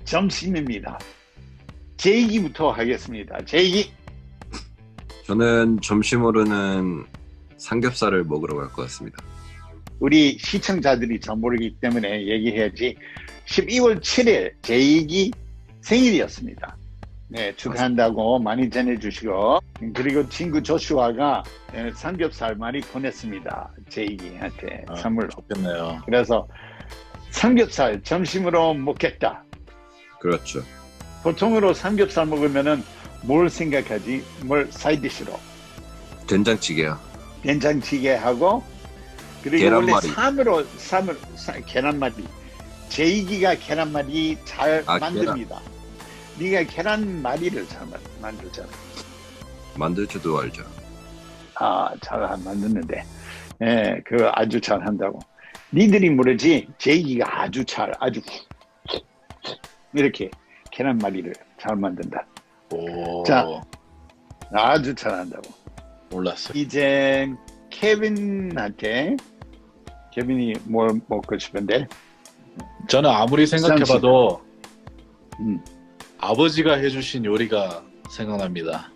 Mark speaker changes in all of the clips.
Speaker 1: 점심입니다. 제이기부터 하겠습니다. 제이기.
Speaker 2: 저는 점심으로는 삼겹살을 먹으러 갈 것 같습니다.
Speaker 1: 우리 시청자들이 잘 모르기 때문에 얘기해야지. 12월 7일 제이기 생일이었습니다. 네, 축하한다고 많이 전해주시고, 그리고 친구 조슈아가 삼겹살 많이 보냈습니다. 제이기한테 선물로.
Speaker 3: 좋겠네요.
Speaker 1: 그래서 삼겹살 점심으로 먹겠다.
Speaker 2: 그렇죠.
Speaker 1: 보통으로 삼겹살 먹으면은 뭘 생각하지? 뭘 사이드시로?
Speaker 2: 된장찌개요.
Speaker 1: 된장찌개 하고, 그리고
Speaker 2: 계란말이.
Speaker 1: 원래 계란말이. 제이기가 계란말이 잘
Speaker 2: 아,
Speaker 1: 만듭니다. 네가 계란말이를 잘 만들잖아.
Speaker 2: 만들 줄도 알죠.
Speaker 1: 잘 만드는데, 예, 그거 아주 잘 한다고. 니들이 모르지, 제이기가 아주 이렇게 계란말이를 잘 만든다.
Speaker 3: 오,
Speaker 1: 자, 아주 잘한다고.
Speaker 3: 몰랐어요.
Speaker 1: 이제 케빈이 뭘 먹고 싶은데?
Speaker 3: 저는 아무리 생각해봐도
Speaker 1: 음.
Speaker 3: 아버지가 해주신 요리가 생각납니다.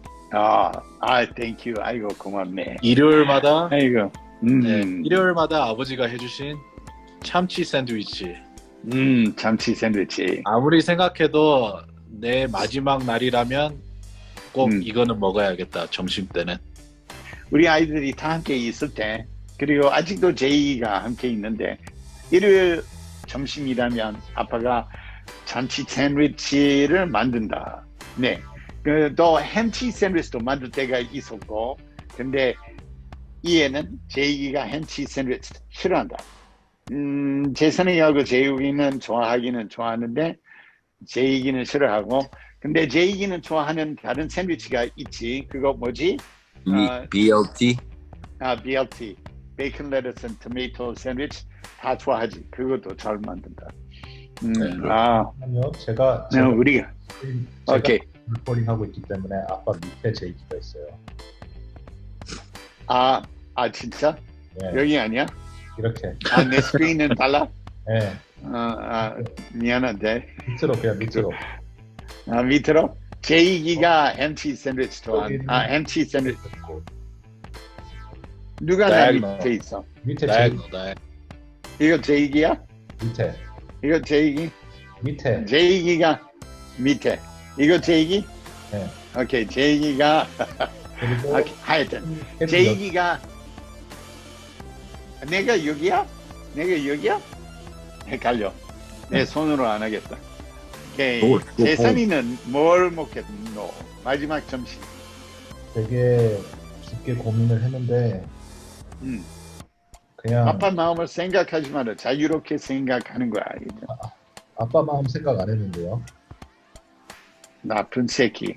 Speaker 1: 땡큐. 아이고, 고맙네.
Speaker 3: 일요일마다
Speaker 1: 아이고,
Speaker 3: 네, 일요일마다 아버지가 해주신 참치 샌드위치.
Speaker 1: 참치 샌드위치.
Speaker 3: 아무리 생각해도 내 마지막 날이라면 꼭 이거는 먹어야겠다. 점심 때는.
Speaker 1: 우리 아이들이 다 함께 있을 때, 그리고 아직도 제이가 함께 있는데, 일요일 점심이라면 아빠가 참치 샌드위치를 만든다. 네. 또 햄치 샌드위치도 만들 때가 있었고, 근데 이에는 제이가 햄치 샌드위치 싫어한다. 재선이하고 제이기는 좋아하기는 좋아하는데, 제이기는 싫어하고, 근데 제이기는 좋아하는 다른 샌드위치가 있지. 그거 뭐지?
Speaker 2: BLT?
Speaker 1: BLT. 베이컨 레터스 앤 토마토 샌드위치 다 좋아하지. 그것도 잘 만든다.
Speaker 4: 아니요, 제가
Speaker 1: 우리가 오케이.
Speaker 4: 물포링 하고 있기 때문에 아빠 밑에 제이기가 있어요.
Speaker 1: 진짜?
Speaker 4: 네,
Speaker 1: 여기 아니야?
Speaker 4: 이렇게.
Speaker 1: 내 스크린은 달라?
Speaker 4: 네,
Speaker 1: 미안한데.
Speaker 4: 밑으로.
Speaker 1: 밑으로? 제이기가 햄치 샌드위치 햄치 샌드위치. 누가 내 밑에 있어?
Speaker 4: 밑에
Speaker 3: 나야.
Speaker 1: 이거 제이기야?
Speaker 4: 밑에.
Speaker 1: 이거 제이기?
Speaker 4: 밑에.
Speaker 1: 제이기가 밑에. 이거 제이기?
Speaker 4: 네.
Speaker 1: 오케이, 제이기가
Speaker 4: 그리고
Speaker 1: 하여튼 제이기가 내가 여기야? 헷갈려. 내 손으로 안 하겠다. 오케이. 재산이는 뭘 먹겠노? 마지막 점심.
Speaker 4: 되게 깊게 고민을 했는데 그냥
Speaker 1: 아빠 마음을 생각하지 마라. 자유롭게 생각하는 거야.
Speaker 4: 아빠 마음 생각 안 했는데요.
Speaker 1: 나쁜 새끼.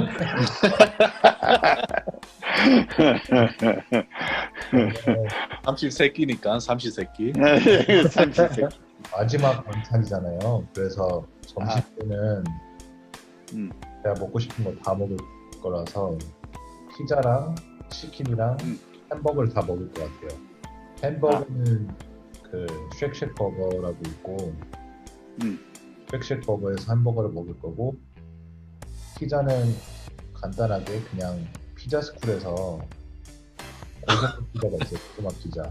Speaker 3: 삼시세끼니까 삼시세끼.
Speaker 1: 삼시세끼.
Speaker 4: 마지막 반찬이잖아요. 그래서 점심 때는 제가 먹고 싶은 거 다 먹을 거라서 피자랑 치킨이랑 햄버거를 다 먹을 것 같아요. 햄버거는 그 쉑쉑 버거라고 있고 쉑쉑 버거에서 햄버거를 먹을 거고, 피자는 간단하게 그냥 피자 스쿨에서 고급 피자가 있어요. 조그만 피자.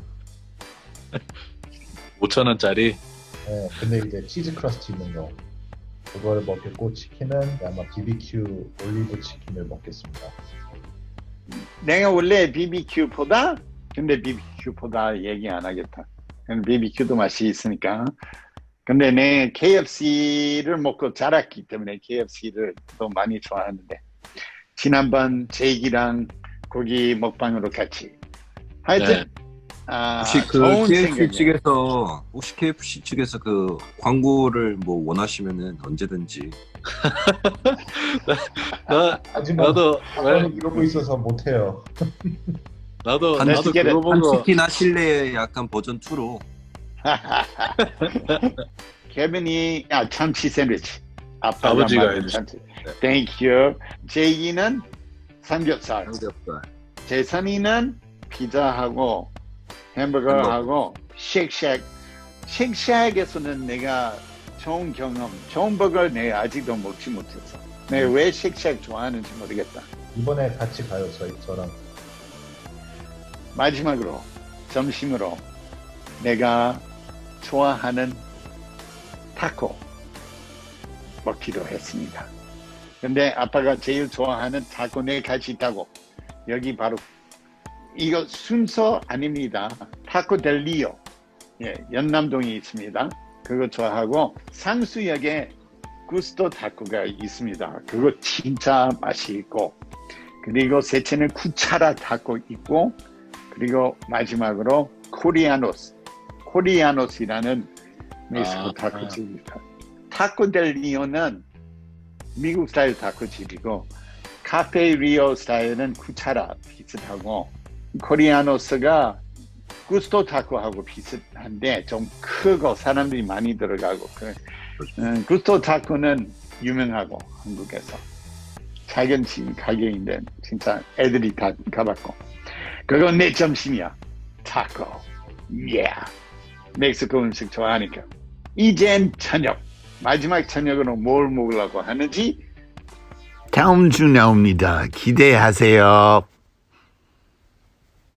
Speaker 3: 5,000원짜리.
Speaker 4: 네, 근데 이제 치즈 크러스트 있는 거, 그거를 먹겠고, 치킨은 아마 BBQ 올리브 치킨을 먹겠습니다.
Speaker 1: 내가 원래 BBQ보다 얘기 안 하겠다. BBQ도 맛이 있으니까. 근데 내 KFC를 먹고 자랐기 때문에 KFC를 또 많이 좋아하는데, 지난번 제이기랑 고기 먹방으로 같이. 하여튼
Speaker 2: 혹시
Speaker 1: 좋은
Speaker 2: KFC
Speaker 1: 생각이야.
Speaker 2: 측에서 그 광고를 뭐 원하시면은 언제든지.
Speaker 4: 하지만
Speaker 3: 나도
Speaker 4: 이러고 있어서 못해요.
Speaker 3: 나도
Speaker 1: let's get
Speaker 3: 그거
Speaker 1: it.
Speaker 3: 보고
Speaker 2: 한치킨 하실래? 약간 버전 2로.
Speaker 1: 케빈이 참치 샌드위치.
Speaker 3: 아버지가 해주신.
Speaker 1: 참치. 땡큐. 제이기는 삼겹살. 재선이는 피자하고 햄버거하고 쉑쉑에서는 내가 좋은 경험, 좋은 버거 내가 아직도 먹지 못했어. 내가 왜 쉑쉑 좋아하는지 모르겠다.
Speaker 4: 이번에 같이 가요, 저랑.
Speaker 1: 마지막으로 점심으로 내가 좋아하는 타코 먹기로 했습니다. 근데 아빠가 제일 좋아하는 타코 네 가지 있다고. 여기 바로 이거 순서 아닙니다. 타코 델 리오. 예, 연남동에 있습니다. 그거 좋아하고 상수역에 구스토 타코가 있습니다. 그거 진짜 맛있고, 그리고 셋째는 쿠차라 타코 있고, 그리고 마지막으로 코리아노스이라는 멕시코 타코집입니다. 타코 델 리오는 미국 스타일 타코집이고, 카페 리오 스타일은 쿠차라 비슷하고, 코리아노스가 구스토 타코하고 비슷한데 좀 크고 사람들이 많이 들어가고, 구스토 타코는 유명하고 한국에서 작은 가게인데 진짜 애들이 다 가봤고, 그건 내 점심이야. 타코. 예. 멕시코 음식 좋아하니까. 이젠 저녁. 마지막 저녁으로 뭘 먹으려고 하는지 다음 주 나옵니다. 기대하세요.